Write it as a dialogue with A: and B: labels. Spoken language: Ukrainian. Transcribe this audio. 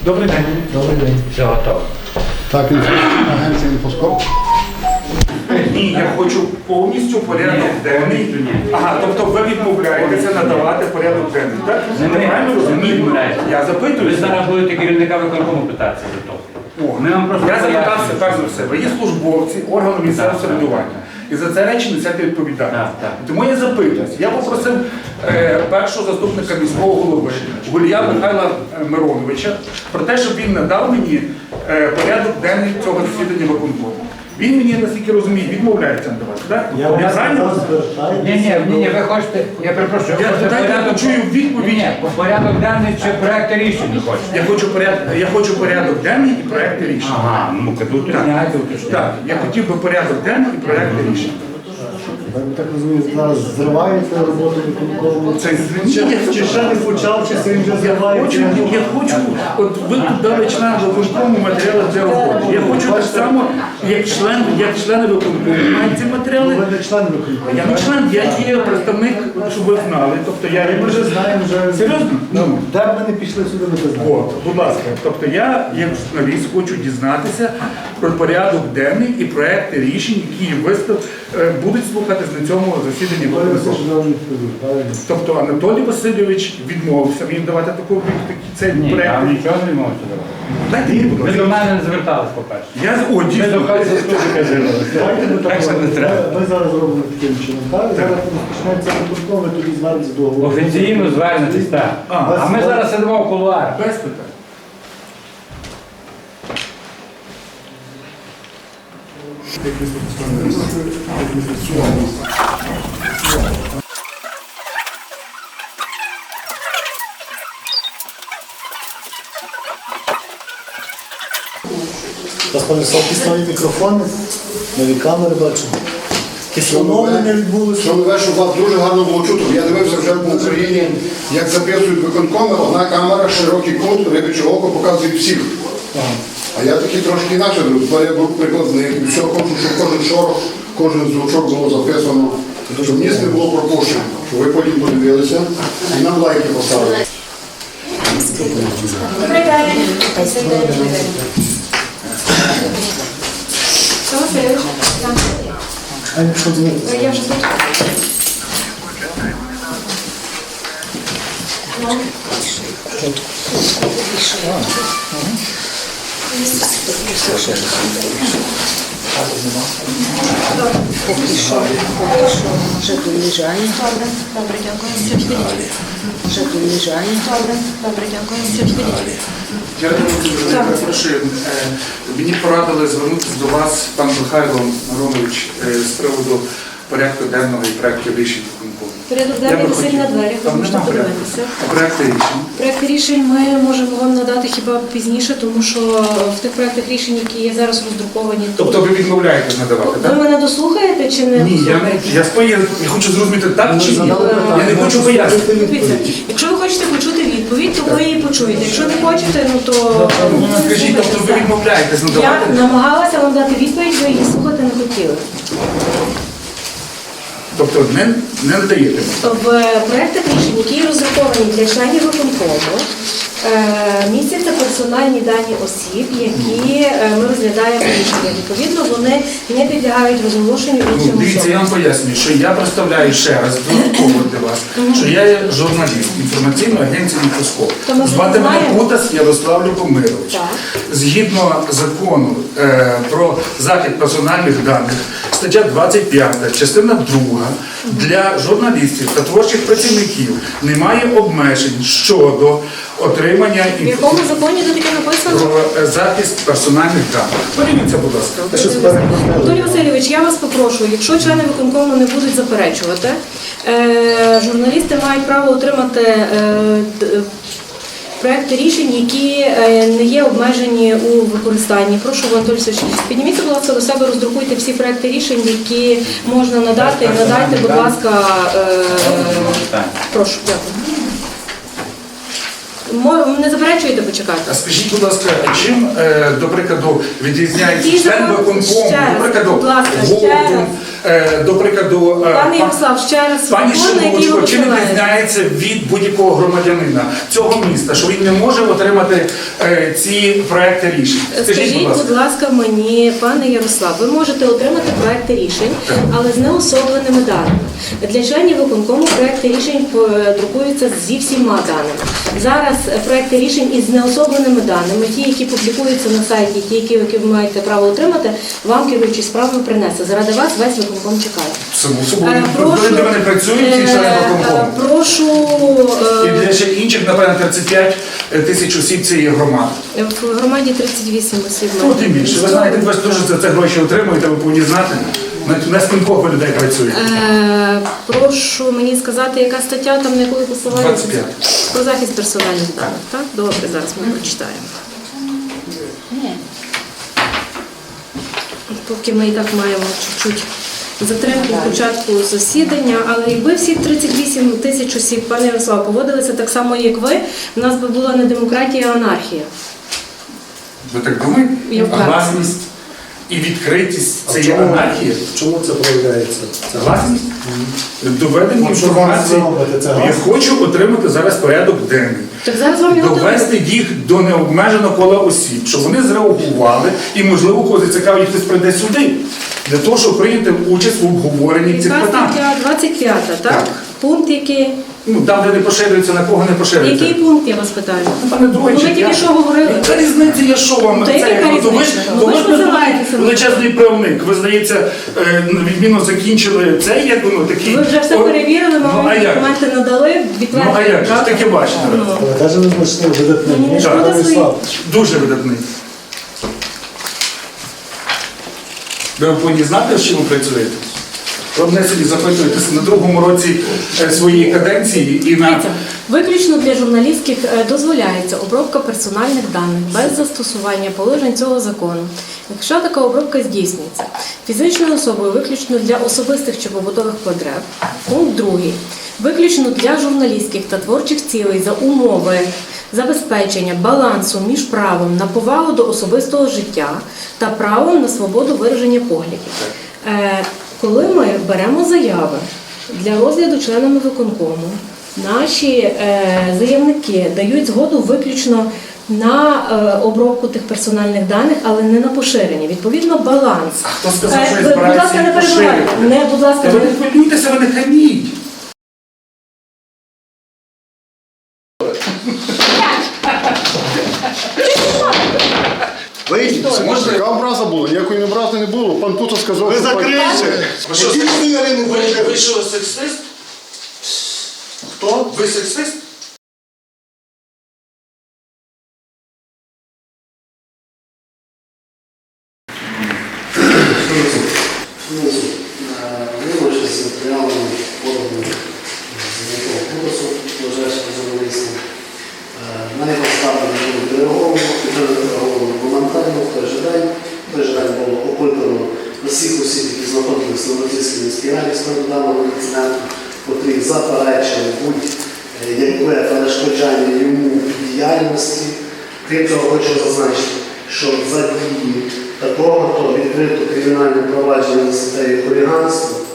A: Добрий день.
B: Добрий день.
A: Все готово.
C: Так, агенція «Інфоскоп».
D: Ні, я хочу повністю порядок денний. Ага, тобто ви відмовляєтеся надавати порядок денний, так?
A: Не
D: правильно розумію? Я запитую.
A: Ви зараз будете керівника виконкому питатися за то. Ми вам просто
D: Я запитався перш за все. Ви є службовці органу місцевого самоврядування. І за це речі несете відповідальність. Тому я запитуюсь. Я попросив першого заступника міського голови Гулія Михайла Мироновича про те, щоб він надав мені порядок денний цього засідання виконкому. Він мені, наскільки розумію, відмовляється надавати, так? Я правильно?
A: Ні, ви хочете, я перепрошую,
D: Я почую відповідь.
A: Ні, порядок денний чи проєкти рішень хочете?
D: Я хочу порядок денний і проєкти рішень.
A: Ага, ну тут уточняйте.
D: Так, я хотів би порядок денний і проєкти рішень.
C: Я так розумію, зараз зривається роботу виконкому.
D: Це
E: Чи ще не почав, чи сьогодні вже зривається?
D: Я хочу, от ви тут дали член виконкому матеріали для роботи. Я хочу так само, як члени виконкому мають ці матеріали.
C: Ви не член виконкому.
D: Я не член, я є представник, щоб ви знали. Тобто
C: Ми вже знаємо,
D: серйозно? Ну.
C: де б ми не пішли сюди, ми це знаємо.
D: От, будь ласка, тобто я, як журналіст, хочу дізнатися про порядок денний і проекти рішень, які будуть слухатись на цьому засіданні виконкому. Тобто Анатолій Васильович відмовився мені давати цей
A: Ні,
D: проект.
A: я нічого не можу зробити.
D: Дайте мені, будь
A: Ви
D: ласка.
A: до мене не звертались, по-перше.
D: О, дійсно.
C: Давайте ми так
A: Так що не
C: робимо.
A: треба.
C: Ми зараз робимо таким чином. Так? Зараз розпочнеться виконком, ви тоді звернетеся до голови.
A: Офіційно звернетесь, так. А ми зараз сидимо в кулуарах.
D: Без питань.
C: Насправді стали мікрофони, нові камери бачимо. Оновлення відбулося.
F: Щоб вас дуже гарно було чути. Я дивився вже в Україні, як записують виконкоми, одна камера, широкий кут, рибяче око показує всіх. А я такий трошки інакше дивлюсь. Я був прикладний. І все хочу, щоб кожен шорох, кожен звучок було записано, щоб ніс не було пропущено. Щоб ви потім подивилися і нам лайки поставили.
G: Добрий день. Що Васильович?
C: А якщо дзвонити?
G: Я вже тут.
H: Вже доїжджає.
G: Добре, дякую. Все, підійдіть.
H: Вже доїжджає.
G: Добре, дякую. Все, підійдіть.
D: Я дуже перепрошую. Мені порадили звернутися до вас, пан Михайло Миронович, з приводу порядку денного і проєктів рішень виконкому.
G: Порядок денний висить на дверях, ви
D: Там
G: можете
D: нема порядку.
G: подивитися.
D: А проєкти рішень?
G: Проекти рішень ми можемо вам надати хіба пізніше, тому що в тих проектах рішень, які є зараз роздруковані тут.
D: Тобто ви відмовляєтесь надавати,
G: Ви
D: так?
G: мене дослухаєте чи не
D: Ні,
G: дослухаєте?
D: я хочу зрозуміти, так чи ні.
C: задали питання.
D: Я не хочу пояснити.
G: Дивіться, якщо ви хочете почути відповідь, то ви її почуєте. Якщо не хочете, ну то
D: Скажіть, тобто ви відмовляєтесь
G: я
D: надавати?
G: намагалася вам дати відповідь, ви її слухати не хотіли.
D: Тобто не надаєте?
G: В проєктах рішень, які розраховані для членів виконкому, містяться персональні дані осіб, які ми розглядаємо рішення. Відповідно, вони не підлягають розголошенню іншим
D: Дивіться, я
G: особам.
D: вам пояснюю, що я представляю ще раз додатково для вас, що я є журналіст інформаційної агенції «Інфоскоп».
G: То ми
D: Звати мене
G: знаємо.
D: Кутас Ярослав Любомирович.
G: Так.
D: Згідно закону про захист персональних даних, стаття 25, частина 2, для журналістів та творчих працівників немає обмежень щодо отримання
G: В якому законі це таке написано?
D: про захист персональних даних. Подивіться, будь ласка.
G: Анатолій Васильович, я вас попрошу, якщо члени виконкому не будуть заперечувати, журналісти мають право отримати проекти рішень, які не є обмежені у використанні. Прошу, Анатолій Васильович, підніміться, будь ласка, до себе, роздрукуйте всі проекти рішень, які можна надати, і надайте, будь ласка, прошу, дякую. Не заперечуєте, почекайте.
D: А скажіть, будь ласка, чим, до прикладу, відрізняється
G: Ті
D: член
G: закони-
D: виконкому,
G: ще раз,
D: до прикладу,
G: будь ласка, ще
D: голову,
G: раз.
D: до прикладу,
G: Пане Ярослав, ще раз
D: пані
G: закон, на який ви
D: Шимовочко, чи не
G: посилаєте?
D: відрізняється від будь-якого громадянина цього міста, що він не може отримати ці проекти рішень?
G: Скажіть, будь ласка, мені, пане Ярослав, ви можете отримати проекти рішень, але з неособленими даними. Для членів виконкому проекти рішень друкуються зі всіма даними. Зараз проекти рішень із неособленими даними, ті, які публікуються на сайті, ті, які ви маєте право отримати, вам керуючий справами принесе. Заради вас весь виконком чекає.
D: Само собою, ви для мене працюють ці члени виконкому.
G: Прошу
D: І для ще інших, напевно, 35 тисяч осіб цієї громади.
G: в громаді 38 осіб.
D: Ну, тим більше. Ви знаєте, ви ж теж за це гроші отримуєте, ви повинні знати. На скількох ви людей працюєте?
G: Прошу мені сказати, яка стаття там, на яку ви посилаєтеся?
D: 25.
G: Про захист персональних даних, так? Добре, зараз ми прочитаємо. Поки ми і так маємо чуть-чуть затримку в початку засідання, але якби всі 38 тисяч осіб, пане Ярослав, поводилися так само, як ви, в нас би була не демократія, а анархія.
D: Ви так думаєте?
G: Я
D: А
G: впевнена.
D: гласність і відкритість це
C: А
D: є
C: чому?
D: анархія?
C: Чому це проявляється?
D: Це гласність? Доведення
C: А що вам
D: інформації.
C: зробити? Це
D: Я
C: гласність?
D: хочу отримати зараз порядок денний.
G: Так зараз вам його
D: Довести їх до необмеженого кола осіб, щоб вони зреагували і, можливо, кого зацікавить, хтось прийде сюди. Для того, щоб прийняти участь в обговоренні цих
G: Яка
D: питань.
G: стаття 25, так?
D: Так.
G: Пункт який?
D: Ну, там, де не поширюється, на кого не поширюється.
G: Який пункт, я вас питаю?
D: Пане Другий,
G: Ви тільки що говорили.
D: Яка різниця, я що вам?
G: Та яка
D: то ви ж
G: різниця?
D: то
G: Ви
D: ви
G: ж
D: ж
G: посилаєтеся на-
D: величезний правник. Ви, здається, відмінно закінчили це, як воно такий.
G: Ви вже все перевірили,
D: Ну, а
G: вам
D: як?
G: документи надали, підтвердили.
D: Ну, а як же?
G: правда?
D: Таке бачите.
G: Ну.
C: Але теж не знайшли видатний.
G: Мені
C: Ні,
G: шкода
C: пане
G: своїх.
C: Ярослав.
D: Дуже видатний. Ви повинні знати, з чим ви працюєте? Ви мене собі запитуєтеся на другому році своєї каденції і на...
G: Дивіться, виключно для журналістів дозволяється обробка персональних даних без застосування положень цього закону. Якщо така обробка здійснюється фізичною особою виключно для особистих чи побутових потреб, пункт 2. Виключно для журналістських та творчих цілей за умови забезпечення балансу між правом на повагу до особистого життя та правом на свободу вираження поглядів. Коли ми беремо заяви для розгляду членами виконкому, наші заявники дають згоду виключно на обробку тих персональних даних, але не на поширення. Відповідно, баланс.
D: А хто сказав, що
G: Ви,
D: я
G: будь ласка,
D: збираюся
G: не
D: їх
G: перебивайте.
D: поширювати?
G: Не, будь ласка,
D: Та ви
G: не
D: не хвилюйтеся, ви не хаміть.
F: Вийдіть, яка образа була, ніякої образи не було. Пан Путо сказав,
E: Ви
F: що
E: закрийте!
D: Ви що, сексист? Хто? Ви сексист?
B: Виборчі з матеріалами подані з якого курсу ближайшого журналістів. На його ставлення було відреаговано моментально в той же день. В той же день було опитано усіх осіб, які знаходилися на Російській міській раді з даного інциденту, котрі заперечили будь-яке перешкоджання йому в діяльності. Крім того, хочу зазначити, що за дії такого, то відкрито кримінальне провадження за статтею хуліганства